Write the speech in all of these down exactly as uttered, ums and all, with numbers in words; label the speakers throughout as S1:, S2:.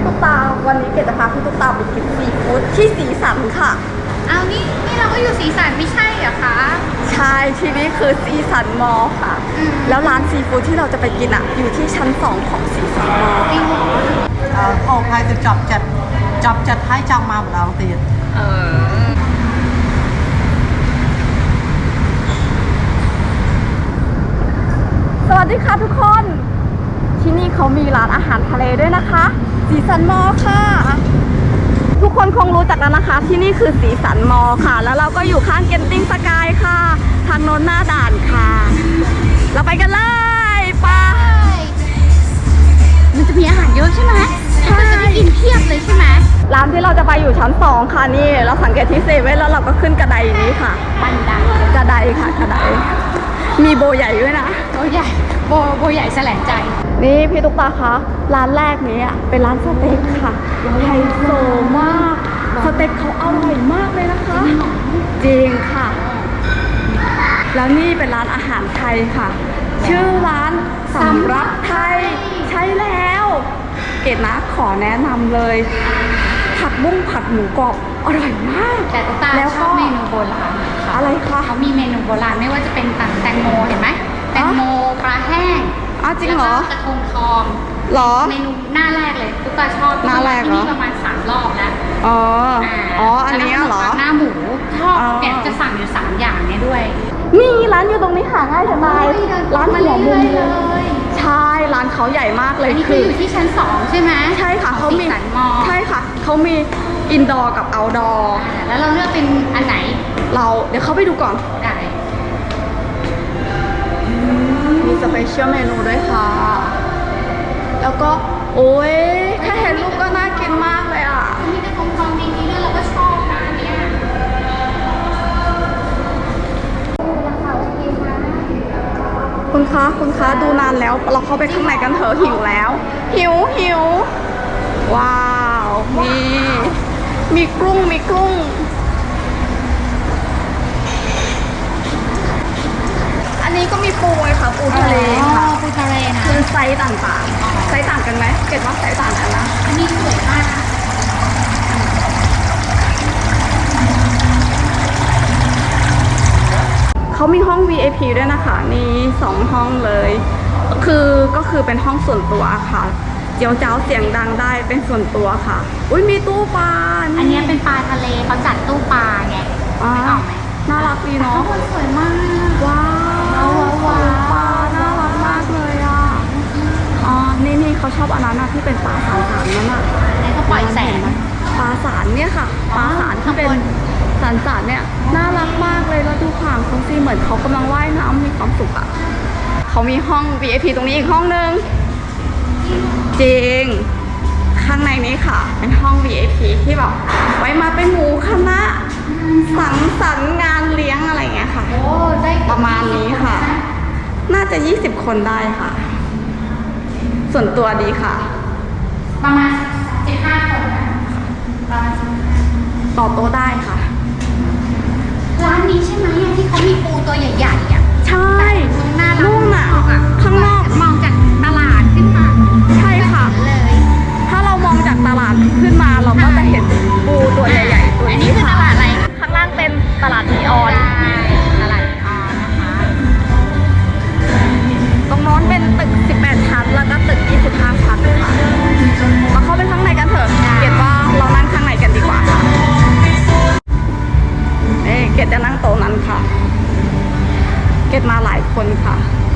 S1: พี่ตุ๊กตาวันนี้เกดจะพาพี่ตุ๊กตาไปกินซีฟู้ดที่สีสันค่ะ
S2: เอานี่นี่เราก็อยู่สีสันไม่ใช่เหรอคะ
S1: ใช่ที่นี่คือสีสันมอลค่ะแล้วร้านซีฟู้ดที่เราจะไปกินอ่ะอยู่ที่ชั้นสองของสีสันมอล
S2: จริงเหรอ
S3: โอ้ใครจะจับจัดจับจัดให้จังมาเหมือนเราตี
S2: เออ
S1: สวัสดีค่ะทุกคนที่นี่เขามีร้านอาหารทะเลด้วยนะคะสีสันมอลค่ะทุกคนคงรู้จักแล้วนะคะที่นี่คือสีสันมอลค่ะแล้วเราก็อยู่ข้างเกนติ้งสกายค่ะทางโน้นหน้าด่านค่ะเราไปกันเลยไป
S2: มันจะมีอาหารเยอะใช่ไหมใช่จะได้กินเพียบเลยใช่ไหม
S1: ร้านที่เราจะไปอยู่ชั้นสองค่ะนี่เราสังเกตที่เซเว่นแล้วเราก็ขึ้นกระไดนี้ค่ะ
S2: บันได
S1: กระไดค่ะกระไดมีโบใหญ่ด้วยนะ
S2: โบใหญ่โบโบใหญ่แสลงใจ
S1: นี่พี่ตุ๊กตาคะร้านแรกนี้เป็นร้านสเต็กค่ะไฮโซมากสเต็กเขาอร่อยมากเลยนะคะจริงค่ะแล้วนี่เป็นร้านอาหารไทยค่ะชื่อร้านสำรับไทยใช่แล้วเกดนะขอแนะนำเลยผัดบุ้งผัดหมูกรอบอร่อยมาก
S2: แต่ตุ๊กตาชอบเมนูโบราณ
S1: อะไรคะ
S2: เขามีเมนูโบราณไม่ว่าจะเป็นแตงโมเห็นไหมแตงโมปลาแห้ง
S1: อ้าวจริงเหรอก
S2: ระทงทอง
S1: หรอ
S2: เมนูหน้าแรกเลยตุ๊กตาชอบ
S1: หน้าแรกเหรอ
S2: ที่นี่ประมาณสามรอบแล้ว
S1: อ๋ออ๋ออันนี้เหรอ
S2: หน้าหมูชอบเนี่ยจะสั่งอยู่สามอย่างเนี่ยด้วย
S1: นี่ร้านอยู่ตรงนี้หาง่ายสบายร้านหัวมุมเลยใช่ร้านเขาใหญ่มากเลย
S2: คืออยู่ที่ชั้นสองใช่ไหม
S1: ใช่ค่ะเขามีใช่ค่ะเขามีอินดอร์กับเอาท์ดอร์
S2: แล้วเราเลือกเป็นอันไหน
S1: เราเดี๋ยวเข้าไปดูก่อน
S2: ได้
S1: มีสเปเชียลเมนูด้วยค่ะแล้วก็โอ้ยแค่เห็นรูปก็น่ากินมากเลยอ่ะ
S2: มีกระทงทองจริงๆด้วยเราก็ชอบนะเนี่ย
S1: คุณคะคุณคะดูนานแล้วเราเข้าไปข้างในกันเถอะหิวแล้วหิวหิวว้าวมีมีกุ้งมีกุ้งอันนี้ก็มีปูไงค่ะปูทะเลค่ะ
S2: ปูทะเลนะ
S1: คือไซส์ต่างๆไซส์ต่างกันไหมเกดว่าไซส์ต่างกันนะ
S2: อันนี้สวยมาก
S1: เขามีห้อง วี ไอ พี ด้วยนะคะนี่สองห้องเลยคือก็คือเป็นห้องส่วนตัวค่ะเจียวเจ้าเสียงดังได้เป็นส่วนตัวค่ะอุ้ยมีตู้ปลา
S2: อันนี้เป็นปลาทะเลเขาจัดตู้ปลาไง
S1: อ๋อน่ารักดีเนาะ
S2: สวยมาก
S1: ว้าวว้าวปลาน่ารักมากเลยอ่ะอ๋อนี่นี่เขาชอบอันนั้นนะที่เป็นปลาสารสารนั่นอ่ะ
S2: ไหนเขาปล่อยแสง
S1: ปลาสารเนี่ยค่ะปลาสารที่เป็นสารสารเนี่ยน่ารักมากเลยแล้วดูขางเขาสิเหมือนเขากำลังว่ายน้ำมีความสุขอ่ะเขามีห้อง วี ไอ พี ตรงนี้อีกห้องนึงจริงข้างในนี้ค่ะเป็นห้อง วี ไอ พี ที่แบบไว้มาเป็นหมู่คณะสังสรรค์งานเลี้ยงอะไรเงี้ยค่ะประมาณนี้ค่ะน่าจะยี่สิบคนได้ค่ะส่วนตัวดีค่ะ
S2: ประมาณสิบห้าคนนะประมาณ
S1: ต่อโต๊ะได้ค่ะ
S2: ร้านนี้ใช่ไหมที่เขามีปูตัวใหญ่ๆอ่ะ
S1: ใช่
S2: นุ่มอ่ะ
S1: ข้างนอก
S2: มองจากตลาดขึ้นมา
S1: ใช่ค่ะ
S2: เลย
S1: ถ้าเรามองจากตลาดขึ้นมาเราก็จะเห็นปูตัวใหญ่ๆตัวนี้ค่ะ
S2: ตลาดอะไร
S1: ข้างล่างเป็นตลาดนีออน
S2: ตลาดนีออนนะคะ
S1: ตรงโน้นเป็นตึกสิบแปดชั้นแล้วก็ตึกยี่สิบห้าชั้นค่ะมาเข้าไปข้างในกันเถอะเกดว่าเรานั่งข้างในกันดีกว่าค่ะเอ๊ะเกดจะนั่งโต๊ะนั้นค่ะเกดมาหลายคนค่ะ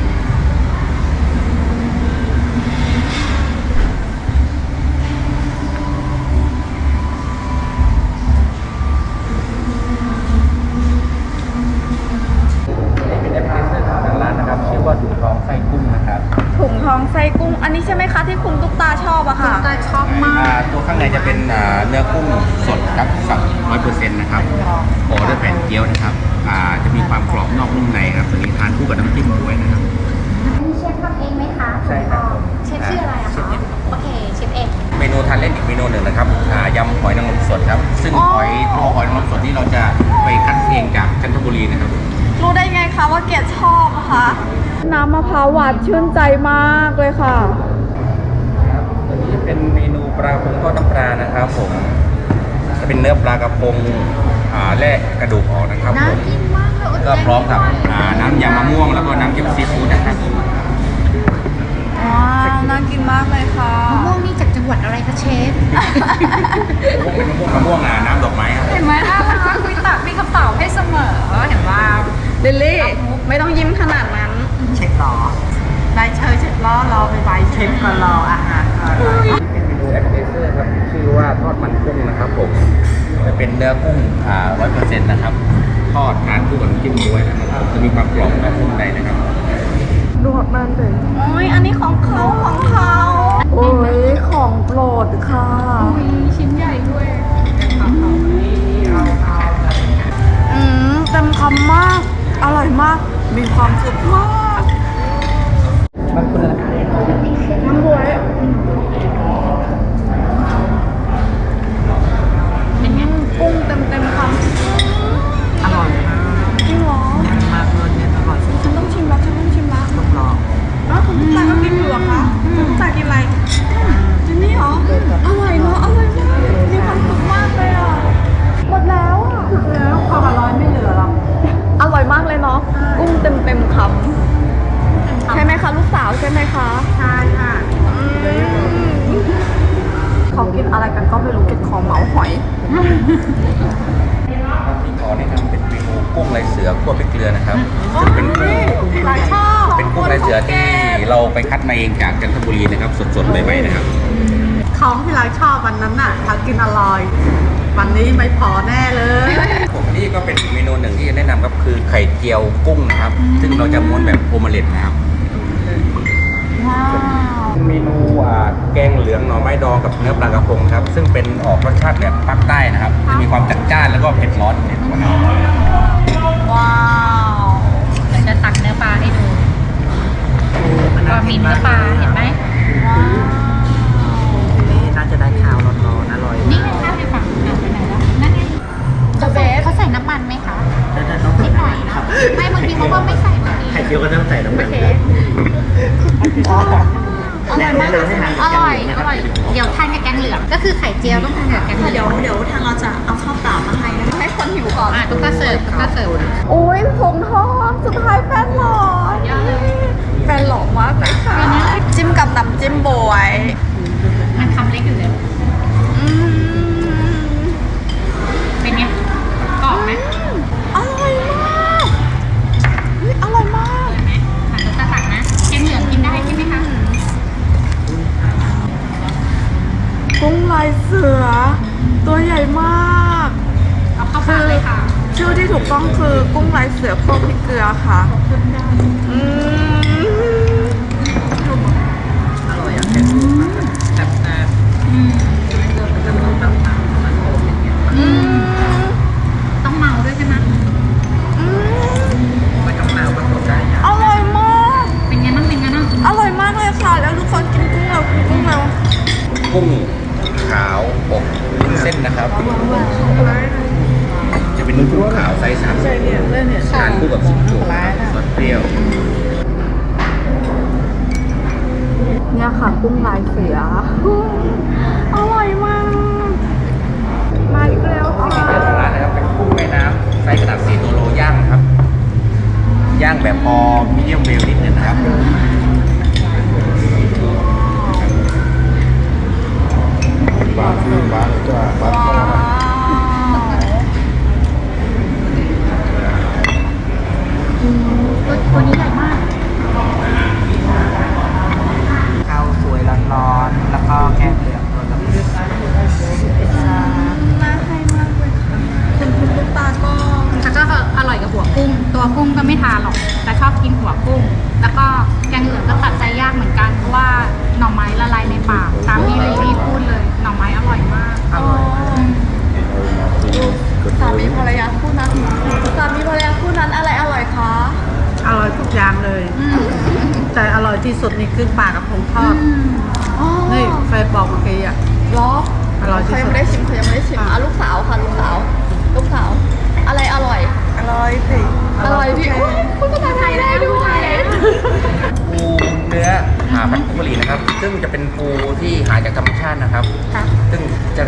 S4: ถุงทองไส้กุ้งนะครับ
S1: ถุงทองไส้กุ้งอันนี้ใช่ไหมคะที่คุณตุ๊กตาชอบอะค่ะ
S2: ตุ๊กตาชอบมาก
S4: ตัวข้างในจะเป็นเนื้อกุ้งสดครับสับร้อยเปอร์เซ็นต์นะครับห่อด้วยแผ่นเกี๊ยวนะครับจะมีความกรอบนอกนุ่มในครับตัวนี้ทานคู่กับน้ำจิ้มด้วยนะครับ
S2: อันนี้เชฟทำเองไหมคะ
S4: ใช่ครับ
S2: เชฟชื่ออะไรอะคะโอเคเชฟเอง
S4: เมนูทานเล่นอีกเมนูหนึ่งนะครับยำหอยนางรมสดครับซึ่งหอยตัวหอยนางรมสดที่เราจะไปคัดเองจากจันทบุรีนะครับ
S1: รู้ได้ไงคะว่าเกดชอบคะน้ำมะพร้าวหวานชื่นใจมากเลยค่ะ
S4: ตัวนี้จะเป็นเมนูปลากระพงทอดน้ำปลานะครับผมจะเป็นเนื้อปลากระพงอ่าแล่กระดูกออกนะครับผม
S2: น่ากินมากเลยอด
S4: ก็
S2: ใจ
S4: พร้อมกับ
S2: ไไหว
S4: อ่าน้ำยำมะม่วงแล้วก็น้ำจิ้มซีฟู้ดนะครับ
S1: ว้าวน่ากินมากเลยค่ะ
S2: มะม่วงนี่จากจังหวัดอะไรคะเชฟ
S4: พวกเป็นมะม่วงมะม่วงอ่ะน้ำดอกไม้ครับ
S2: เห็นไหมน่ารักคุยตักมีคำตอบให้เสมอเห็นว่า
S1: ลิลลี่ไม่ต้องยิ้มขนาดนั้น
S3: เช็คล้อได้เชยเช็คล้อรอไปใบเช็คก็รออาหารก่อน
S4: เป็นเมนูแอปเปอร์เซอร์ครับชื่อว่าทอดมันกุ้งนะครับผมจะเป็นเนื้อกุ้งอ่าร้อยเปอร์เซ็นต์นะครับทอดทานคู่กับน้ำจิ้มด้วยนะครับจะมีความกรอบนอกนุ่มในนะครับ
S1: ดูดมันเลยโอ้ยอันนี้ของเขาของเขาโอ้ยของโปรดค่ะ
S2: มีชิ้นใหญ่ด้วย
S1: อืมเต็มคำมาก อร่อยมาก มีความสุขมากน้ำบวย
S2: เป็นไง
S1: กุ้งเต็มเต็มคำ
S3: อร่อยมาก
S1: จริงเหรอ
S3: มากเลยเนี่ยอร่อยสุด
S1: ฉันต้องชิมแล้วฉันต้องชิมแล้ว
S3: ๆต้องลอง
S1: อ้าวคุณตุ๊กตาก็กินอยู่เหรอคะคุณตุ๊กตากินอะไรจินนี่เหรอ อร่อยเนาะ อร่อยมาก มีความสุขมากเลยอ่ะ หมดแล้วอ่ะ
S3: แล้วความอร่อยไม่เหลือหรอก
S1: อร่อยมากเลยเนาะ กุ้งเต็มเต็มคำใช่ไหมคะลูกสาวใช่ไหมคะ
S3: ใช่ค่ะ
S1: เขากินอะไรกันก็ไม่รู้เก็บของเหมาหอย
S4: ที่ขอแนะนำเป็นเมนูกุ้งลายเสือคั่วพริกเกลือนะครับซึ่งเป็นกุ้ง
S1: หลายชอบ
S4: เป็นกุ้งลายเสือที่เราไปคัดมาเองจากจันทบุรีนะครับสดๆใหม่ๆนะครับ
S3: ของที่เราชอบวันนั้นน่ะเขากินอร่อย วันนี้ไม่พอแน่เลย
S4: ผมนี่ก็เป็นอีกเมนูหนึ่งที่จะแนะนำครับคือไข่เจียวกุ้งนะครับ ซึ่งเราจะม้วนแบบโอเมเล็ตนะครับ
S1: ว้าว
S4: เมนูอ่าแกงเหลืองหน่อไม้ดองกับเนื้อปลากระพงครับซึ่งเป็นออกรสชาติแบบภาคใต้นะครับจะมีความจัดจ้านแล้วก็เผ็ดร้อนในตัวนะครับ
S1: ว้าว
S2: เดี๋ยวจะตักเนื้อปลาให้ดูก็มีเนื้อปลาเห็นไหม
S3: นี่น่าจะได้ข้าวร้อนๆอร่อย
S2: นี่ไงข้าวในฝั่งอ่ะไปไหนแล้วนั่นไง
S1: The best
S2: เขาใส่น้ำมันไหมคะ
S3: แล้วจะต้อง
S2: นิดหน่อยเนาะไม่บางทีเขาก็ไม่ใส่บางที
S3: ไข่เจียวก็ต้องใส่น้ำมัน
S2: อร่อยมากอร่อย อร่อย เดี๋ยวทานกับแกงเหลือง ก็คือไข่เจียวต้องทานกับแกงเหลือง
S1: เดี๋ยวเดี๋ยวทางเราจะเอาข้าวเปล่ามาให้นะคะให้คนหิวก่อน
S2: อ่ะตุ๊กตาเสิร์ฟตุ๊กตาเสิร์ฟ
S1: โอ้ยผงทองสุดท้ายแฟนหล่อแฟนหล่อมากเลยค่ะ จิ้มกับน้ำจิ้มบวย
S2: มันคำเล็กอยู่เลย
S1: อืม
S2: เป็นไงกรอบไหม
S1: อร่อยมากเฮ้ยอร่อยมาก
S2: อร่อยไหมอ่ะตุ๊กตาตักนะ แกงเหลืองกินได้ใช่ไหมคะ
S1: กุ้งลายเสือ ตัวใหญ่มาก
S2: เอาเข้าปากเลยค่ะ
S1: ชื่อที่ถูกต้องคือกุ้งลายเสือคั่วพริกเกลือค่ะอืม
S3: อร่อยอ่ะแค่ดูแซ่บ
S2: อืม
S3: ๆจะต้องตั้งตามมันโอมอย่างเงี้ย
S1: อืม
S2: ต้องเมาด้วยใช่ไหม
S1: อืม
S3: ไม่ต้องมาผสมได้อย่าง
S1: อร่อยมาก
S2: เป็นไงบ้างเป็นไงบ้าง
S1: อร่อยมากเลยค่ะ แล้วทุกคนกินกุ้งเรากินกุ้งเรา
S4: กุ้งขาวอบวุ้นเส้นนะครับ จะเป็นกุ้งขาวไซส์สามสิบทานคู่กับซุปโจ๊กซอสเปรี้ยว
S1: เนี่ยค่ะกุ้งลายเสืออร่อยมาก มาอีกแล้วค่ะ
S4: เจ้าของร้านนะครับเป็นกุ้งแม่น้ำไซส์ขนาดสี่ตัวโลย่างครับ ย่างแบบพอมีเดียมเวลนิดนึงนะครับ
S5: บาทบาทจ้าบาท
S1: ว้าว
S2: ตัวตัวนี้ใหญ่มาก
S3: ข้าวสวยร้อนๆแล้วก็แกงเหลืองตัวละนิด
S1: น่าให้มากเลยค่ะคุณคุณตุ๊กตาก็
S2: แล้วก็อร่อยกับหัวกุ้ง ตัวกุ้งก็ไม่ทานหรอก แต่ชอบกินหัวกุ้ง แล้วก็แกงเหลืองก็ตัดใจยากเหมือนกัน เพราะว่าหน่อไม้ละลายในปาก ตามที่ลิลลี่พูดเลย หน่อไม้อร่อยมาก
S3: อร่อย
S2: อืม
S1: สามีภรรยาคู่นั้นสามีภรรยาคู่นั้นอะไรอร่อยคะ
S3: อร่อยทุกอย่างเลย แต่อร่อยที่สุดนี่คือปลากระพงทอด
S1: อ๋อ
S3: นี่แฟนบอกเมื่อกี้อ่ะ
S1: เหรอ
S3: อร่อยที่
S1: เขา
S3: สุ
S1: ยัง
S3: ด
S1: ไม่ได้ชิมเขายังไม่ได้ชิมอ่ะลูกสาวค่ะลูกสาว ลูกสาว อะไรอร่อย
S3: อร่อยสิ
S1: อร่อยพี่อุ๊ยคุณภาษาไทยได้ด้วย
S4: ปูเนื้อหาพันธุ์กุหรี่นะครับ ซึ่งจะเป็นปูที่หาจากธรรมชาตินะครับ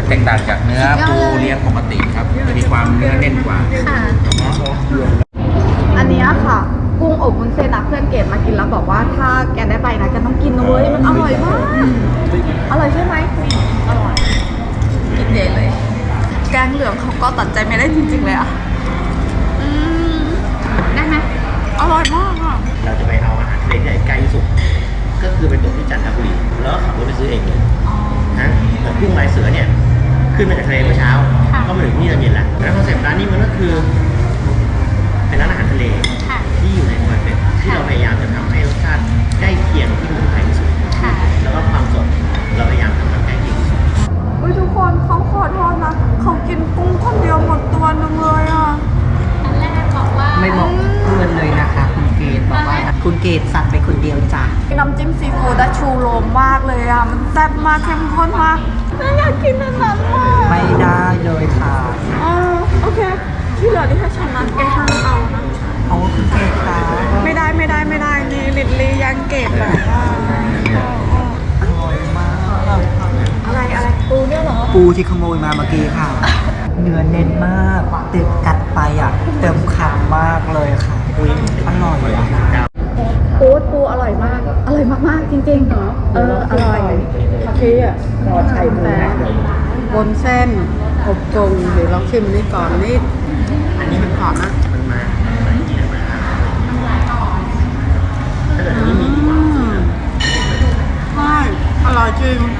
S4: แตกต่างจากเนื้อปูเลี้ยงปกติครับจะมีความเนื้อแน่นกว่า
S2: ค่ะ
S1: อันเนี้ยค่ะกุ้งอบวุ้นเส้นนะเพื่อนเกดมากินแล้วบอกว่าถ้าแกได้ไปนะแกต้องกินนะเว้ยมันอร่อยมากอร่อยใช่ไหมอร่อยกินเดทเลย แกงเหลืองเขาก็ตัดใจไม่ได้จริงๆเลยอ่ะอืม
S2: ได้ไหม
S1: อร่อยมากอ่ะ
S6: เราจะไปเอาอาหารทะเลที่ไหนใกล้ที่สุด ก็คือไปตกที่จันทบุรีแล้วก็ขับรถไปซื้อเองเลยนะเหมือนกุ้งลายเสือเนี่ย ขึ้นมาจากทะเลเมื่อเช้า ก็มาถึงที่ตอนเย็นแล้วแล้วคอนเซ็ปต์ร้านนี้มันก็คือ เป็นร้านอาหารทะเล
S2: ค่ะ
S6: ที่อยู่ในคอนเซ็ปต์ที่เราพยายามจะทำให้รสชาติใกล้เคียงที่เมืองไทยที่สุด
S2: ค่ะ
S6: แล้วก็ความสดเราพยายามทำให้ใกล้เคียงที่สุด
S1: อุ้ยทุกคนเขาขอโทษนะเขากินกุ้งคนเดียวหมดตัวหนึงเลยอ่ะ
S2: อันแรกบอกว่า
S7: ไม่บอกเพื่อนเลยนะคะ คุณเกดบอกว่าคุณเกดสั่งไปคนเดียวจ้ะ
S1: น้ำจิ้มซีฟู้ดอะชูโรงมากเลยอ่ะมันแซ่บมากเข้มข้นมากน่าอยากกินอันนั้นมาก
S7: ไม่ได้เลยค่ะ
S1: อ๋อโอเคที่เหลือที่ถ้าฉันนั้นแกห้ามเอานะ
S7: เอาคุณเกดค่ะ
S1: ไม่ได้ไม่ได้ไม่ได้นี่ลิลลี่ยังเก็บแบบว่า
S7: อร่อยมาก
S1: อะไรอะไรปูเนี่ยเหรอ
S7: ปูที่ขโมยมาเมื่อกี้ค่ะ เนื้อเน้นมากติดกัดไปอ่ะ เต็มคำมากเลยค่ะอุ้ยอร่อยอ่ะ
S1: ปูปูอร่อยมาก อร่อยมากๆจริงๆเหรอเอออร่อยคาเฟ่อะรอไข่ปูนะ
S3: บนเส้นอบกงเดี๋ยวลองชิมนี่ก่อนนี่อันนี้มันหอมนะ
S6: มันมามันกินมาถ้าเกิดอันนี้มีดีกว่า
S3: อืมใช่อร่อยจริง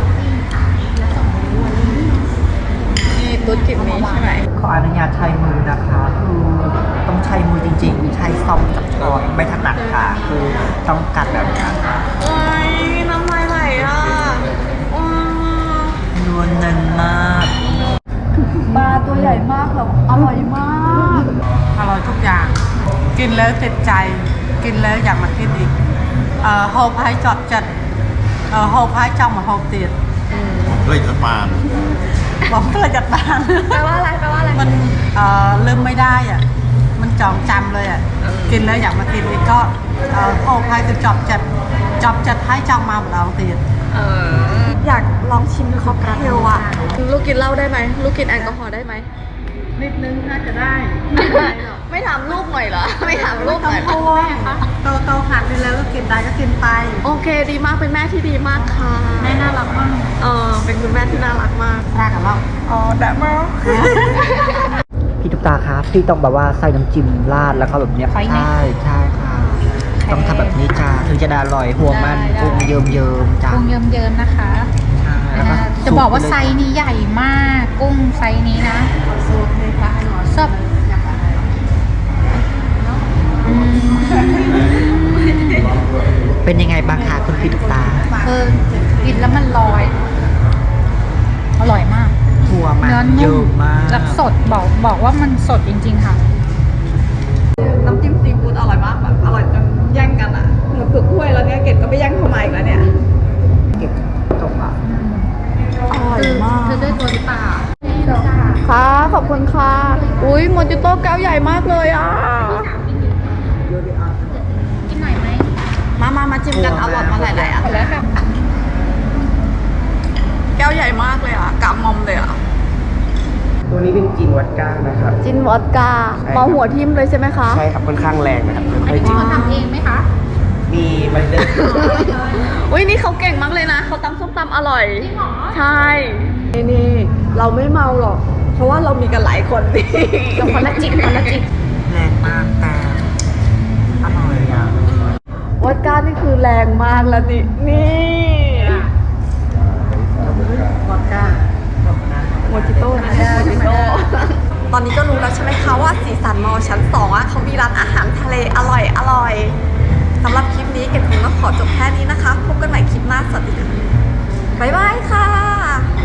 S1: นี่ตุ๊ดกินนี้ใช่ไหม
S7: ขออนุญาตใช้มือนะคะคือต้องใช้มือจริงๆ ใช้ซอมกับช้อนไม่ถนัดค่ะ คือต้องกัดแบบนี้
S1: โอ้ยน้ำลายไหลอ่ะว้าว
S7: เนื้อเน้นมาก
S1: ปลาตัวใหญ่มากแบบอร่อยมาก
S3: อร่อยทุกอย่าง กินแล้วติดใจ กินแล้วอยากมากินอีกเอ่อโฮพายจอดจัดเอ่อโฮพายจ้องมาโฮเตียด
S5: เฮ้ยจะปาน
S3: บอกเพื่อจัดบ้าน
S1: แปลว่าอะไรแปลว่าอะไร
S3: มันเอ่อลืมไม่ได้อ่ะ มันจองจำเลยอ่ะ กินแล้วอยากมากินอีกก็เอ่อโฮพายจะจอบจัดจอบจัดให้จองมาของเราเตียด
S1: เอออยากลองชิมค็อกเทลอ่ะ ลูกกินเหล้าได้ไหม ลูกกินแอลกอฮอล์ได้ไหม
S3: นิดนึงน่าจะได้
S1: ไม่ถามลูกหน่อยเหรอ ไม่ถามลูกหน่อยเหรอ
S3: โตโตหันไปแล้วก็กินได้ก็กินไป
S1: โอเคดีมากเป็นแม่ที่ดีมากค่ะ
S2: แม่น่ารักมาก
S1: เออเป็นคุณแม่ที่น่ารักมาก
S3: รักกับเรา
S1: อ๋อแต่มา
S7: พี่ตุ๊กตาครับพี่ต้องแบบว่าใส่น้ำจิ้มราดแล้วก็แบบเนี้ย
S2: ใส่ไหม
S7: ใช่ใช่ค่ะ ต้องทำแบบนี้จ้าถึงจะได้อร่อยห่วงมัน
S2: ได้ได้
S7: กุ้งเยิ้มเยิ้มๆจ้า
S2: กุ้งเยิ้มๆนะคะ
S7: ใช่แล้วก็
S2: จะบอกว่า
S7: ซุป
S2: ไซ
S7: ไปเลย
S2: ส์นี้ใหญ่มาก กุ้งไซส์นี้นะซับอืม
S7: เป็นยังไงบ้างคะคุณพี่ตุ๊กตา
S2: เออกินแล้วมันลอย อร่อยมาก
S7: หัวมัน
S2: เนื้อ
S7: เย
S2: นุ่
S7: อะ
S2: ม
S7: มาก
S2: แล้วสดบอกบอกว่ามันสดจริงๆค่ะ
S1: น้ำจิ้มซีฟู้ดอร่อยมากแบบอร่อยจนแย่งกันอ่ะเหมือนเผือกถ้วยแล้วเนี่ยเกดก็ไปแย่งเข้ามาอีกแล้วเนี่ย
S7: เก็บตกอ่ะ
S1: อร่อย
S2: คือ
S1: มาก
S2: คือด้วยตัวหรือเปล่า
S1: ค่ะขอบคุณค่ะ อุ้ยโมจิโต้แก้วใหญ่มากเลยอ่ะ
S2: กินหน่อยไหม
S1: มามามาจิ้มกันเอาหลอดมาหลายๆอัน
S2: แล้วแบบ
S1: แก้วใหญ่มากเลยอ่ะกะมอมเลยอ่ะ
S7: ตัวนี้เป็นจีนวัดก้านะครับ
S1: จินวอดกา
S7: ใช่ครับ
S1: เมาหัวทิ่มเลยใช่ไหมคะ
S7: ใช่ครับค่อนข้างแรงนะครับ
S2: อัน
S7: ค่อย
S2: นี้
S7: ๆจิ้ม
S2: เขาทำเองไหมคะ
S7: มีมันเดิน
S1: อุ้ยนี่เขาเก่งมากเลยนะเขาตำส้มตำอร่อย
S2: จริงเหรอ
S1: ใช่ นี่นี่เราไม่เมาหรอก เพราะว่าเรามีกันหลายคนนี่
S2: กับคนละจิบคนละจิบ
S7: แรงมากแต่อร่อยอ่ะ
S1: วอดก้านี่คือแรงมากแล้วนี่ นี่
S3: วอดก้า
S1: โมจิโต้นะโมจิโต้ ตอนนี้ก็รู้แล้วใช่ไหมคะว่าสีสันมอชั้นสองอ่ะเขามีร้านอาหารทะเลอร่อยอร่อยสำหรับคลิปนี้เก็บคงต้องขอจบแค่นี้นะคะ พบกันใหม่คลิปหน้าสวัสดีค่ะบ๊ายบายค่ะ